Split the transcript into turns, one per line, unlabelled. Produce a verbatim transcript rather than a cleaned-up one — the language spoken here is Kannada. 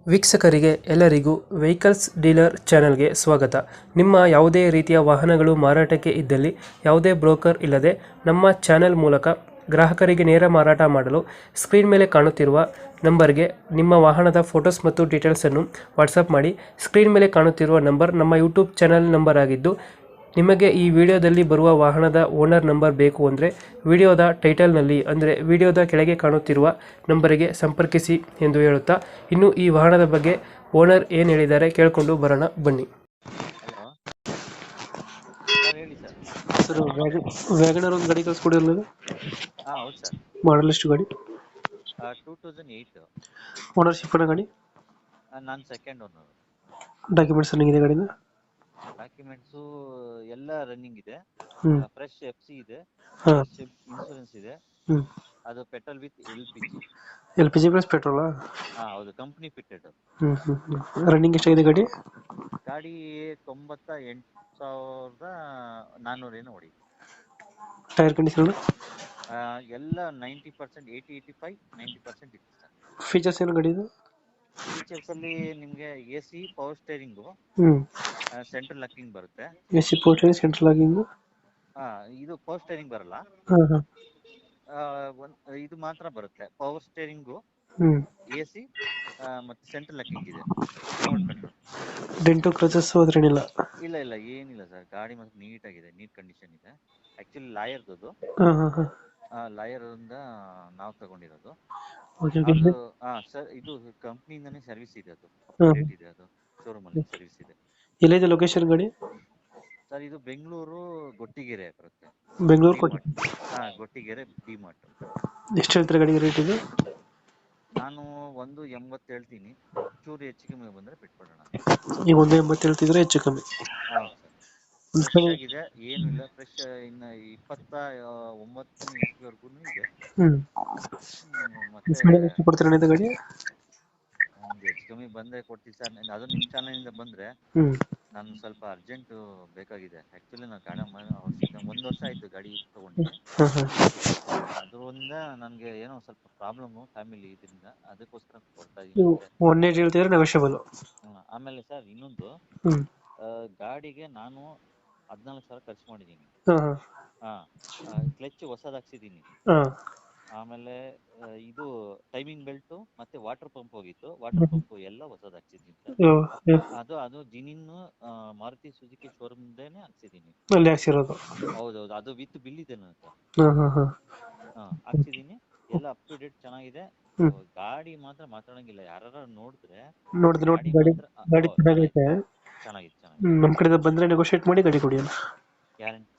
ವೀಕ್ಷಕರಿಗೆ ಎಲ್ಲರಿಗೂ ವೆಹಿಕಲ್ಸ್ ಡೀಲರ್ ಚಾನೆಲ್ಗೆ ಸ್ವಾಗತ. ನಿಮ್ಮ ಯಾವುದೇ ರೀತಿಯ ವಾಹನಗಳು ಮಾರಾಟಕ್ಕೆ ಇದ್ದಲ್ಲಿ ಯಾವುದೇ ಬ್ರೋಕರ್ ಇಲ್ಲದೆ ನಮ್ಮ ಚಾನೆಲ್ ಮೂಲಕ ಗ್ರಾಹಕರಿಗೆ ನೇರ ಮಾರಾಟ ಮಾಡಲು ಸ್ಕ್ರೀನ್ ಮೇಲೆ ಕಾಣುತ್ತಿರುವ ನಂಬರ್ಗೆ ನಿಮ್ಮ ವಾಹನದ ಫೋಟೋಸ್ ಮತ್ತು ಡೀಟೇಲ್ಸನ್ನು ವಾಟ್ಸಪ್ ಮಾಡಿ. ಸ್ಕ್ರೀನ್ ಮೇಲೆ ಕಾಣುತ್ತಿರುವ ನಂಬರ್ ನಮ್ಮ ಯೂಟ್ಯೂಬ್ ಚಾನೆಲ್ ನಂಬರ್ ಆಗಿದ್ದು, ನಿಮಗೆ ಈ ವಿಡಿಯೋದಲ್ಲಿ ಬರುವ ವಾಹನದ ಓನರ್ ನಂಬರ್ ಬೇಕು ಅಂದರೆ ವಿಡಿಯೋದ ಟೈಟಲ್ನಲ್ಲಿ ಅಂದರೆ ವಿಡಿಯೋದ ಕೆಳಗೆ ಕಾಣುತ್ತಿರುವ ನಂಬರಿಗೆ ಸಂಪರ್ಕಿಸಿ ಎಂದು ಹೇಳುತ್ತಾ, ಇನ್ನು ಈ ವಾಹನದ ಬಗ್ಗೆ ಓನರ್ ಏನು ಹೇಳಿದ್ದಾರೆ ಕೇಳಿಕೊಂಡು ಬರೋಣ ಬನ್ನಿ.
ಹಲೋ ಸರ್, ಹೇಳಿ ಸರ್.
ಸರ್, ವ್ಯಾಗನರ್ ಒಂದು ಗಾಡಿ ಕಳಿಸ್ಕೊಡಿರಲ್ಲ,
ಹಾಂ ಹೌದು ಸರ್.
ಮಾಡಲ್ ಎಷ್ಟು ಗಾಡಿ?
Two thousand eight.
ಓನರ್ಶಿಪ್ ಅನ್ನೋ ಗಾಡಿ?
ನಾನು ಸೆಕೆಂಡ್ ಓನರ್.
ಡಾಕ್ಯುಮೆಂಟ್ಸ್ ರನ್ನಿಂಗ್ ಇದೆ ಗಾಡಿನ?
ಡಾಕ್ಯುಮೆಂಟ್ಸು ಎಲ್ಲ ರನ್ನಿಂಗ್ ಇದೆ.
ಹ್ಞೂ
ಫ್ರೆಶ್ ಎಫ್ ಸಿ ಇದೆ,
ಹಾಂ
ಇನ್ಶೂರೆನ್ಸ್ ಇದೆ.
ಹ್ಞೂ
ಅದು petrol with L P G.
L P G plus ಪೆಟ್ರೋಲಾ?
ಹಾಂ ಹೌದು, ಕಂಪ್ನಿ ಫಿಟ್ಟೆಡ್.
ಹ್ಞೂ ಹ್ಞೂ ಹ್ಞೂ ರನ್ನಿಂಗ್ ಎಷ್ಟಾಗಿದೆ ಗಾಡಿ?
ಗಾಡಿ ತೊಂಬತ್ತ ಎಂಟು ಸಾವಿರದ ನಾನ್ನೂರೇನು ಹೊಡಿ.
Tyre condition?
ಎಲ್ಲ ninety percent, eighty eighty five ninety percent ಇದೆ ಸರ್.
ಫೀಚರ್ಸ್ ಏನು ಗಾಡಿ ಇದು?
ಫೀಚರ್ಸ್ ಅಲ್ಲಿ ನಿಮಗೆ ಎ ಸಿ, ಪವರ್ ಸ್ಟೇರಿಂಗು,
ಹ್ಞೂ
ಸೆಂಟ್ರಲ್ ಲಾಕಿಂಗ್ ಬರುತ್ತೆ.
A C port central locking?
ಹಾಂ, ಇದು ಪವರ್ ಸ್ಟೇರಿಂಗ್ ಬರಲ್ಲ.
ಹಾಂ ಹಾಂ
ಆ, ಒಂದ್ ಇದು ಮಾತ್ರ ಬರುತ್ತೆ, ಪವರ್ ಸ್ಟೇರಿಂಗು,
ಹ್ಞೂ
ಎ ಸಿ ಮತ್ತು ಸೆಂಟ್ರಲ್ ಲಾಕಿಂಗ್ ಇದೆ, ರಿಮೋಟ್ ಕಂಟ್ರೋಲ್.
ಡೆಂಟು ಕ್ರಚಸ್ ಅದ್ರೇನಿಲ್ಲ?
ಇಲ್ಲ ಇಲ್ಲ ಏನಿಲ್ಲ ಸರ್, ಗಾಡಿ ಮಾತ್ರ ನೀಟಾಗಿದೆ, ನೀಟ್ ಕಂಡೀಷನ್ ಇದೆ. ಆ್ಯಕ್ಚುಲಿ ಲಾಯರ್ದು ಅದು,
ಹಾಂ ಹಾಂ ಹಾಂ
ಲಾಯರಿಂದ ನಾವು ತಗೊಂಡಿರೋದು.
Okay okay.
ಅದು ಹಾಂ ಸರ್, ಇದು ಕಂಪ್ನಿಯಿಂದನೇ ಸರ್ವಿಸ್ ಇದೆ, ಅದು
ಹಾಂ.
ಅಪ್ಡೇಟ್ ಇದೆ, ಅದು ಶೋರೂಮಲ್ಲಿ ಸರ್ವಿಸ್ ಇದೆ.
ಎಲ್ಲಿದೆ ಲೊಕೇಶನ್ ಗಾಡಿ?
ಸರ್, ಇದು ಬೆಂಗಳೂರು ಗೊಟ್ಟಿಗೆರೆ ಬರುತ್ತೆ.
ಬೆಂಗಳೂರು ಕೊಟ್ಟು
ಹಾಂ, ಗೊಟ್ಟಿಗೆರೆ ಡಿ ಮಾರ್ಟ್.
ಎಷ್ಟು ಹೇಳ್ತಾರೆ ಗಾಡಿಗೆ ರೇಟ್ ಇದು?
ನಾನು ಒಂದು ಎಂಬತ್ತು ಹೇಳ್ತೀನಿ, ಚೂರು ಹೆಚ್ಚು ಕಮ್ಮಿ ಬಂದರೆ ಬಿಟ್ಕೊಡೋಣ.
ಈಗ ಒಂದು ಎಂಬತ್ತು ಹೇಳ್ತಿದ್ರೆ ಹೆಚ್ಚು ಕಮ್ಮಿ?
ಹಾಂ
ಒಂದು
ಸರ್,
ಕಡೆ
ಫ್ರೆಶ್ ಆಗಿದೆ, ಏನು ಇಲ್ಲ. ಫ್ರೆಶ್ ಇನ್ನು ಇಪ್ಪತ್ತ ಒಂಬತ್ತನೇ ಇಸ್ವಿವರೆಗೂ ಇದೆ.
ಹ್ಞೂ
ಹ್ಮ್, ಮತ್ತೆ
ಎಷ್ಟು ಕೊಡ್ತೀರಾ ಇದು ಗಾಡಿ?
ಒಂದು ಹೆಚ್ಚು ಕಮ್ಮಿ ಬಂದರೆ ಕೊಡ್ತೀವಿ ಸರ್. ಅದು ನಿಮ್ಮ ಚಾನಲಿಂದ ಬಂದರೆ
ಹ್ಞೂ
ನಾನು ಸ್ವಲ್ಪ ಅರ್ಜೆಂಟು ಬೇಕಾಗಿದೆ. ಆ್ಯಕ್ಚುಲಿ ನಾನು ಗಾಡಿ ವರ್ಷ ಒಂದು ವರ್ಷ ಆಯಿತು ಗಾಡಿ ತೊಗೊಂಡು.
ಹಾಂ ಹಾಂ
ಅದರಿಂದ ನನಗೆ ಏನೋ ಸ್ವಲ್ಪ ಪ್ರಾಬ್ಲಮ್ಮು ಫ್ಯಾಮಿಲಿ ಇದರಿಂದ, ಅದಕ್ಕೋಸ್ಕರ ಕೊಡ್ತಾ ಇದ್ದೀನಿ.
ಒನ್ ಏಟ್ ಹೇಳ್ತಿದ್ರೆ ನೆಗೋಷಿಯಬಲ್?
ಆಮೇಲೆ ಸರ್, ಇನ್ನೊಂದು
ಹ್ಞೂ
ಗಾಡಿಗೆ ನಾನು ಹದಿನಾಲ್ಕು ಸಾವಿರ ಖರ್ಚು ಮಾಡಿದ್ದೀನಿ.
ಹಾಂ
ಹಾಂ, ಕ್ಲಚ್ ಹೊಸದು ಹಾಕ್ಸಿದ್ದೀನಿ.
ಹಾಂ
ಆಮೇಲೆ ಆ, ಇದು ಟೈಮಿಂಗ್ ಬೆಲ್ಟು ಮತ್ತೆ ವಾಟರ್ ಪಂಪ್ ಹೋಗಿತ್ತು, ವಾಟರ್ ಪಂಪ್ ಎಲ್ಲ ಹೊಸದು ಹಾಕ್ಸಿದ್ದೀನಿ ಸರ್. ಅದು ಅದು ಜಿನಿನ್ ಮಾರುತಿ ಸುಜುಕಿ ಶೋರೂಮ್ದೇನೆ ಹಾಕ್ಸಿದ್ದೀನಿ.
ಅಲ್ಲಿ ಹಾಕ್ಸಿರೋದು?
ಹೌದೌದು, ಅದು ವಿತ್ ಬಿಲ್ ಇದೆ ನನ್ನ ಹತ್ರ.
ಹಾಂ ಹಾಂ ಹಾಂ
ಹಾಂ, ಹಾಕ್ಸಿದ್ದೀನಿ, ಎಲ್ಲ ಅಪ್ ಟು ಡೇಟ್ ಚೆನ್ನಾಗಿದೆ.
ಹ್ಮ್.
ಗಾಡಿ ಮಾತ್ರ ಮಾತಾಡಂಗಿಲ್ಲ, ಯಾರು ನೋಡಿದ್ರೆ
ನೋಡಿದ್ರೆ ನೋಡಿ ಗಾಡಿ
ಮಾತ್ರ
ಗಾಡಿ ಚೆನ್ನಾಗೈತೆ.
ಚೆನ್ನಾಗಿದೆ ಚೆನ್ನಾಗಿದೆ.
ನಮ್ಮ ಕಡೆಯಿಂದ ಬಂದರೆ ನೆಗೋಷಿಯೇಟ್ ಮಾಡಿ ಗಾಡಿ ಕೊಡಿ ಅಣ್ಣ.
ಗ್ಯಾರಂಟಿ.